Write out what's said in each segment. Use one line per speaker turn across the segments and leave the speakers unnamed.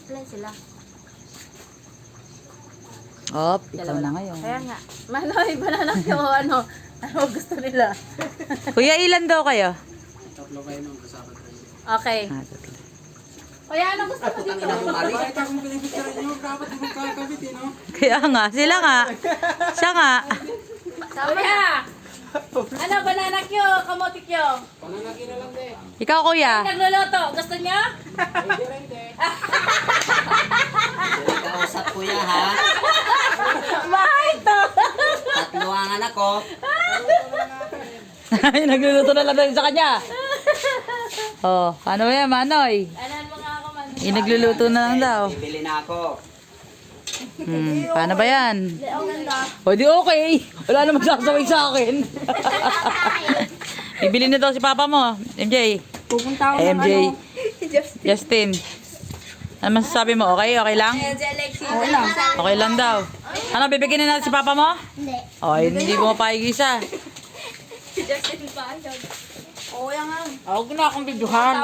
Play sila.
Oh, ikaw na ngayon.
Kaya nga. Manoy, banana yung ano gusto nila.
Kuya, ilan daw kayo?
Tatlo kayo nung kasama tayo.
Okay. Kuya, ano gusto mo dito?
Bakit akong pinipicture nyo? Dapat yung kakabit eh, no?
Kaya nga, sila nga. Siya nga.
Kuya! Ano, banana Q, kamote Q?
Pananagi na lang din.
Ikaw, kuya.
Nagluluto, gusto niyo?
Pwede rin din.
Kausap kuya ha.
Mahal to!
Tatlo ang anak ko.
Ay, nagluluto na lang tayo sa kanya. Oh, paano ba yan, Manoy?
Anan mo nga ako man.
Nagluluto na lang daw.
Bibili na ako.
Paano ba yan?
Ang ganda.
O di okay. Wala na magsasaway sa akin. Bibili na daw si papa mo, MJ.
Pupunta ako ng
MJ.
ano.
Justin. Ano masasabi mo? Okay? Okay lang?
Okay lang.
Okay lang daw. Ano, bibigyan na natin si papa mo?
Hindi.
O, hindi mo mapahig isa.
Justin pa yun. Oo, yan nga.
Huwag na akong bidyuhan.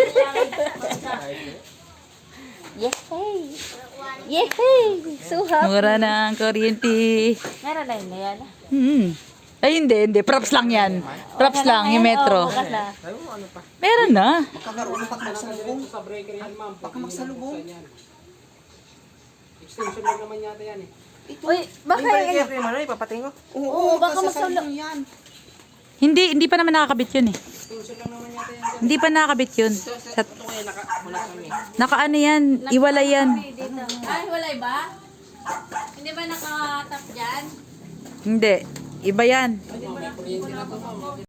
Yehey! Yehey! Suhap!
Mura na ang kuryente.
Meron na yun na yan.
Ay, hindi. Props lang yan. Props lang, yung metro.
Bukas na.
Meron na.
Kakaroon pa magsalubong.
Sa breaker yan, ma'am.
Baka magsalubong.
Extension lang naman yata yan eh.
Uy, baka yun. Oo, baka
magsalubong yan.
Hindi pa naman nakakabit yun eh.
Extension lang naman yata yan.
Hindi pa nakakabit yun.
Ito kaya nakamulat kami.
Nakaano yan, iwalay yan.
Ay, walay ba? Hindi ba nakatap dyan?
Hindi, iba yan.